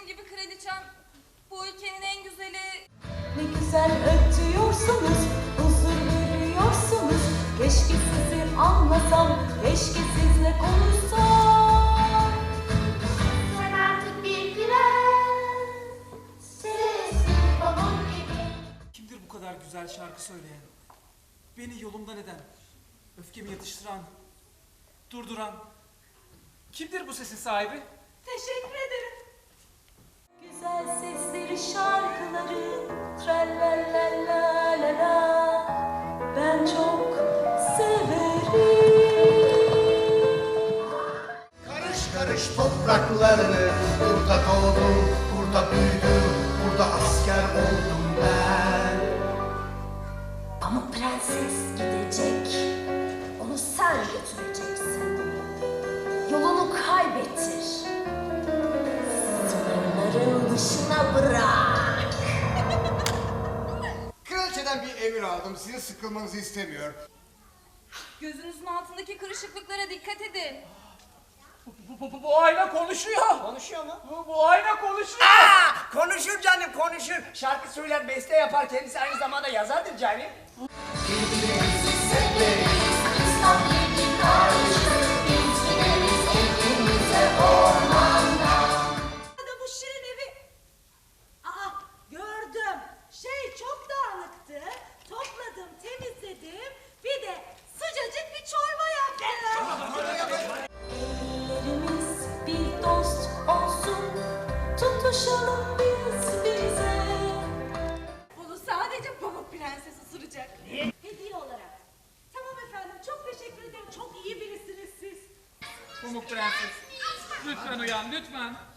benim gibi kraliçem bu ülkenin en güzeli. Ne güzel ötüyorsunuz, huzur veriyorsunuz. Keşke sizi anlasam, keşke sizle konuşsam. Sen artık bir prensessin pamuk gibi. Kimdir bu kadar güzel şarkı söyleyen? Beni yolumdan eden, öfkemi yatıştıran, durduran. Kimdir bu sesin sahibi? Teşekkür ederim. Güzel sesleri, şarkıları, tralalalalala, ben çok severim. Karış karış topraklarını, burada doğdum, burada büyüdüm, burada asker oldum ben. Pamuk Prenses gidecek. Onu sen götüreceksin. Yolunu kaybettir. Sınırların dışına bırak. Kraliçeden bir emir aldım, sizin sıkılmanızı istemiyor. Gözünüzün altındaki kırışıklıklara dikkat edin. Bu ayna konuşuyor. Konuşuyor mu? Bu ayna konuşuyor. Konuşur canım, konuşur. Şarkı söyler, beste yapar. Kendisi aynı zamanda yazardır canım. Bu şirin evi... Aa, gördüm. Çok dağınıktı. Topladım, temizledim. Bir de sıcacık bir çorba yaptım. Ellerimiz bir dost olsun, tutuşalım biz bize. Bunu sadece Pamuk Prenses ısıracak. Hediye olarak. Tamam efendim, çok teşekkür ederim. Çok iyi birisiniz siz. Pamuk Prenses. Lütfen uyan, lütfen.